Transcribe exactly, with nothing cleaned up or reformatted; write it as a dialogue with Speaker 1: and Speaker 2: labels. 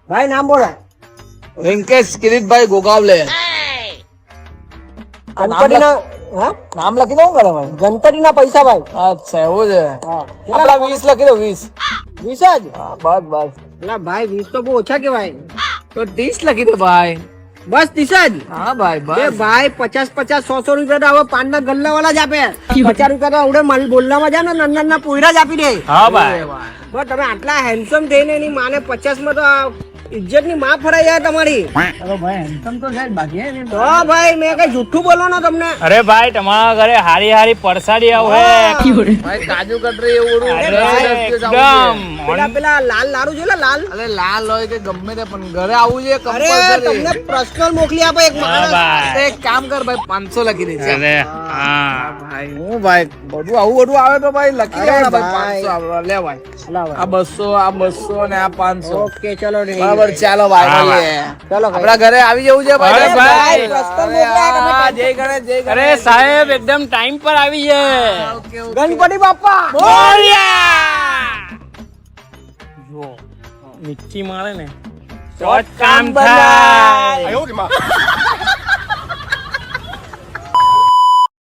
Speaker 1: ભાઈ નામ બોલો.
Speaker 2: વેંકટેશ કિરીટભાઈ ગોગાવલે.
Speaker 1: ગણપતિના હા
Speaker 2: નામ લખી દઉં કરે ભાઈ?
Speaker 1: ગણપતિના પૈસા ભાઈ.
Speaker 2: અચ્છા એવું છે.
Speaker 1: હા
Speaker 2: આપડા વીસ લખી દો વીસ.
Speaker 1: વીસ જ.
Speaker 2: હા બસ બસ.
Speaker 1: એટલે ભાઈ વીસ તો બહુ ઓછા કેવાય.
Speaker 2: તો ત્રીસ લખી દો ભાઈ.
Speaker 1: બસ ત્રીસ જ.
Speaker 2: હા ભાઈ
Speaker 1: એ
Speaker 2: બસ.
Speaker 1: ભાઈ પચાસ પચાસ સો સો રૂપિયા તો હવે પાન ના ગલ્લા વાળા જ આપે. પચાસ રૂપિયા તો આવડે મારી બોલનામાં જાય ને નાના નાના પોયરા જ આપી દે.
Speaker 3: હા ભાઈ
Speaker 1: બસ તમે આટલા હેન્ડસમ થઈને એની માને પચાસ માં તો આ ઇજ્જત ની માં ફરાઈ જાય તમારી.
Speaker 2: અરે ભાઈ હેન્ડસમ તો છે જ બાકી હે ને.
Speaker 1: તો ભાઈ મેં કઈ જુઠ્ઠું બોલો ને તમને.
Speaker 3: અરે ભાઈ તમારા ઘરે હારી હારી પરસાડી આવે
Speaker 2: ભાઈ કાજુ કતરી એવું બધું.
Speaker 3: અરે,
Speaker 2: દસ દસ દિવસ
Speaker 3: એકદમ
Speaker 2: આવું
Speaker 1: પેલા પેલા લાલ લારું છે ને લાલ.
Speaker 2: છે. અરે લાલ હોય કે ગમે તે પણ ઘરે આવવું છે
Speaker 1: અરે
Speaker 2: compulsory.
Speaker 1: તમને પર્સનલ મોકલી આપો એક
Speaker 3: હા
Speaker 1: માણસ.
Speaker 3: ભાઈ
Speaker 2: તો એક કામ કર ભાઈ પાંચસો લખી દે છે.
Speaker 3: અરે હા
Speaker 2: ભાઈ હું ભાઈ બધું આવું બધું આવે તો ભાઈ લખી
Speaker 1: અરે
Speaker 2: દેવાના ભાઈ
Speaker 1: ભાઈ.
Speaker 2: પાંચસો આવે. લે ભાઈ
Speaker 1: લાવ
Speaker 2: આ બસો આ બસો ને આ પાંચસો.
Speaker 1: ઓકે ચલો રે.
Speaker 2: બરાબર ચાલો ભાઈ
Speaker 3: હા,
Speaker 2: મળીએ.
Speaker 1: ચાલો ભાઈ.
Speaker 2: આપડા ઘરે આવી જવું છે ભાઈ.
Speaker 3: અરે ભાઈ.
Speaker 1: પ્રશ્ન મોકલ્યા તમે.
Speaker 2: હા, જય ગણેશ જય
Speaker 3: અરે
Speaker 2: ગણેશ.
Speaker 3: સાહેબ એકદમ ટાઈમ પર આવી છે
Speaker 2: ઓકે, ઓકે.
Speaker 1: ગણપતિ બાપા.
Speaker 3: બોલ્યા જો મિચ્છી મારે ને તો જ કામ થાય